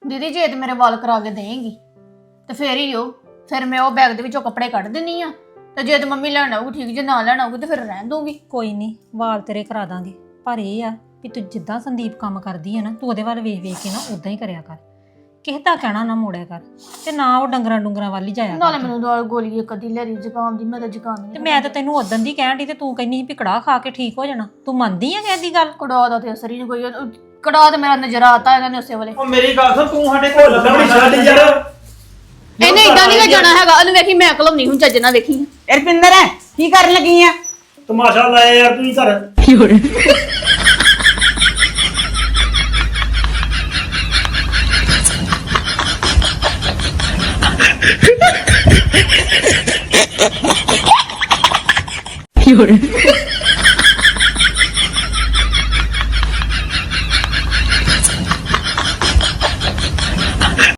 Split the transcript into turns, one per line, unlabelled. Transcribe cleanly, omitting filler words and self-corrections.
ਦੀਦੀ ਜੇ ਤੇ ਮੇਰੇ ਵਾਲ ਕਰਾ ਕੇ ਦੇਂਗੀ ਤੇ ਫੇਰ ਹੀ ਫਿਰ ਮੈਂ ਉਹ ਬੈਗ ਦੇ ਵਿੱਚੋਂ ਕੱਪੜੇ ਕੱਢ ਦਿੰਨੀ ਆ ਤੇ ਜੇ ਤੇ ਮੰਮੀ ਲੈਣ ਆਊਗੀ ਠੀਕ, ਜੇ ਨਾ ਲੈਣ ਆਊਗੀ ਤੇ ਫਿਰ ਰਹਿਣ ਦੂੰਗੀ।
ਕੋਈ ਨਹੀਂ ਵਾਲ ਤੇਰੇ ਕਰਾ ਦਾਂਗੇ, ਪਰ ਇਹ ਆ ਵੀ ਤੂੰ ਜਿੱਦਾਂ ਸੰਦੀਪ ਕੰਮ ਕਰਦੀ ਹੈ ਨਾ ਤੂੰ ਉਹਦੇ ਵੱਲ ਵੇਖ ਵੇਖ ਕੇ ਨਾ ਉਦਾਂ ਹੀ ਕਰਿਆ ਕਰ। ਕਿਸੇ ਦਾ ਕਹਿਣਾ ਨਾ ਮੋੜਿਆ ਕਰ ਤੇ ਨਾ ਉਹ ਡੰਗਰਾਂ ਵੱਲ ਹੀ ਜਾਇਆ
ਨਾਲੇ
ਕਰ।
ਮੈਨੂੰ ਨਾਲ ਗੋਲੀ ਇੱਕ ਅੱਧੀ ਲੈ ਰਹੀ ਜ਼ੁਕਾਮ ਦੀ, ਮੈਂ ਤਾਂ ਜ਼ੁਕਾਮ
ਤੇ
ਨਹੀਂ।
ਮੈਂ ਤਾਂ ਤੈਨੂੰ ਉਦੋਂ ਦੀ ਕਹਿਣ ਦੀ ਤੇ ਤੂੰ ਕਹਿੰਦੀ ਸੀ ਵੀ ਕੜਾਹ ਖਾ ਕੇ ਠੀਕ ਹੋ ਜਾਣਾ। ਤੂੰ ਮੰਨਦੀ ਆ ਕਿਸੇ ਦੀ ਗੱਲ?
ਕੜਾ ਦਾ ਤੇ ਅਸਰ ਹੀ ਨਹੀਂ ਕੋਈ। ਕੜਾ ਤੇ ਮੇਰਾ ਨਜ਼ਰ ਆਤਾ ਇਹਨਾਂ ਨੇ ਉਸੇ ਵੇਲੇ।
ਉਹ ਮੇਰੀ ਗੱਲ ਸੁਣ, ਤੂੰ ਸਾਡੇ ਕੋਲ ਲੱਭਣੀ ਛੱਡ ਯਾਰ।
ਇਹਨੇ ਇਦਾਂ ਨਹੀਂ ਜਾਣਾ ਹੈਗਾ, ਉਹਨੂੰ ਵੇਖੀ ਮੈਂ ਕਲਮ ਨਹੀਂ ਹੁਣ ਚੱਜ ਨਾਲ ਵੇਖੀ।
ਰਪਿੰਦਰ ਕੀ ਕਰਨ ਲੱਗੀ ਆ?
ਤਮਾਸ਼ਾ ਲਾਇਆ ਯਾਰ ਤੂੰ ਹੀ ਘਰ।
ਕੀ ਹੋ ਰਿਹਾ?